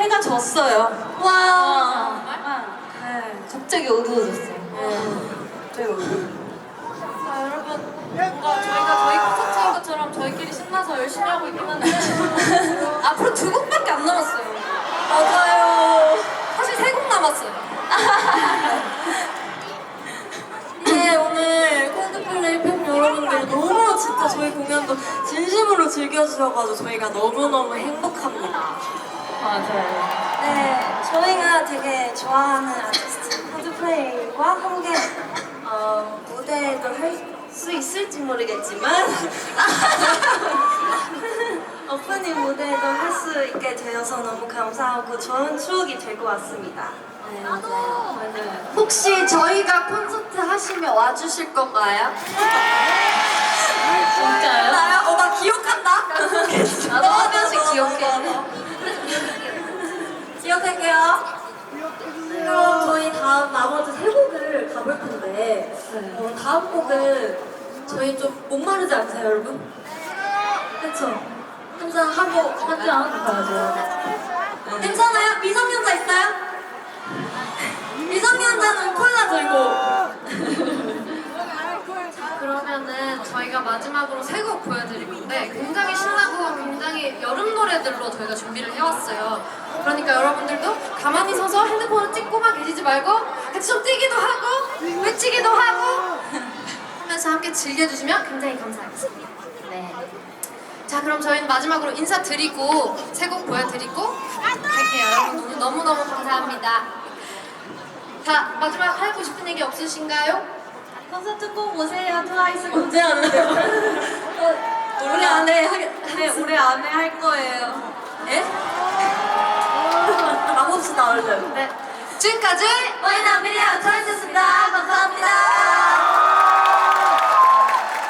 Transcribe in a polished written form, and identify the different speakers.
Speaker 1: 해가 졌어요.
Speaker 2: 와.
Speaker 1: 네, 갑자기 어두워졌어요.
Speaker 2: 갑자기 어두워.
Speaker 3: 자, 여러분, 뭔가 저희가 저희 콘서트인 것처럼 저희끼리 신나서 열심히 하고 있긴 한데
Speaker 1: 앞으로 2곡밖에 안 남았어요.
Speaker 2: 맞아요.
Speaker 1: 사실 3곡 남았어요.
Speaker 2: 네, 오늘 콜드플레이 팬 여러분들 너무 진짜 저희 공연도 진심으로 즐겨주셔가지고 저희가 너무너무 행복합니다.
Speaker 1: 맞아요.
Speaker 2: 네, 저희가 되게 좋아하는 아티스트 콜드플레이와 함께 무대도 할 수 있을지 모르겠지만 오프닝 무대도 할 수 있게 되어서 너무 감사하고 좋은 추억이 될 것 같습니다.
Speaker 1: 네, 맞아요.
Speaker 3: 혹시 저희가 콘서트 하시면 와주실 건가요?
Speaker 1: 진짜요?
Speaker 2: 나요? 나 기억한다?
Speaker 1: 나도 한 명씩 기억해.
Speaker 2: 기억할게요. 그럼 저희 다음 나머지 3곡을 가볼 텐데 다음 곡은 저희 좀 목마르지 않으세요, 여러분? 그쵸? 항상 하고 하지 않아요. 괜찮아요? 미성년자 있어요? 미성년자는 콜라 들고.
Speaker 3: 그러면은 저희가 마지막으로 3곡 보여드릴 건데 굉장히 신나고 굉장히 여름 노래들로 저희가 준비를 해왔어요. 그러니까 여러분들도 가만히 서서 핸드폰을 찍고만 계시지 말고 같이 좀 뛰기도 하고 외치기도 하고 하면서 함께 즐겨주시면 굉장히 감사하겠습니다. 네. 자, 그럼 저희는 마지막으로 인사드리고 3곡 보여드리고 갈게요. 여러분 오늘 너무너무 감사합니다. 자, 마지막 하고 싶은 얘기 없으신가요?
Speaker 2: 콘서트 꼭 오세요. 트와이스 언제 하는데요? 올해 안에 올해 안에 할 거예요. 예? 가봅시다 얼른.
Speaker 3: 네. 지금까지
Speaker 2: 와이나 미리아 트와이스였습니다. 감사합니다.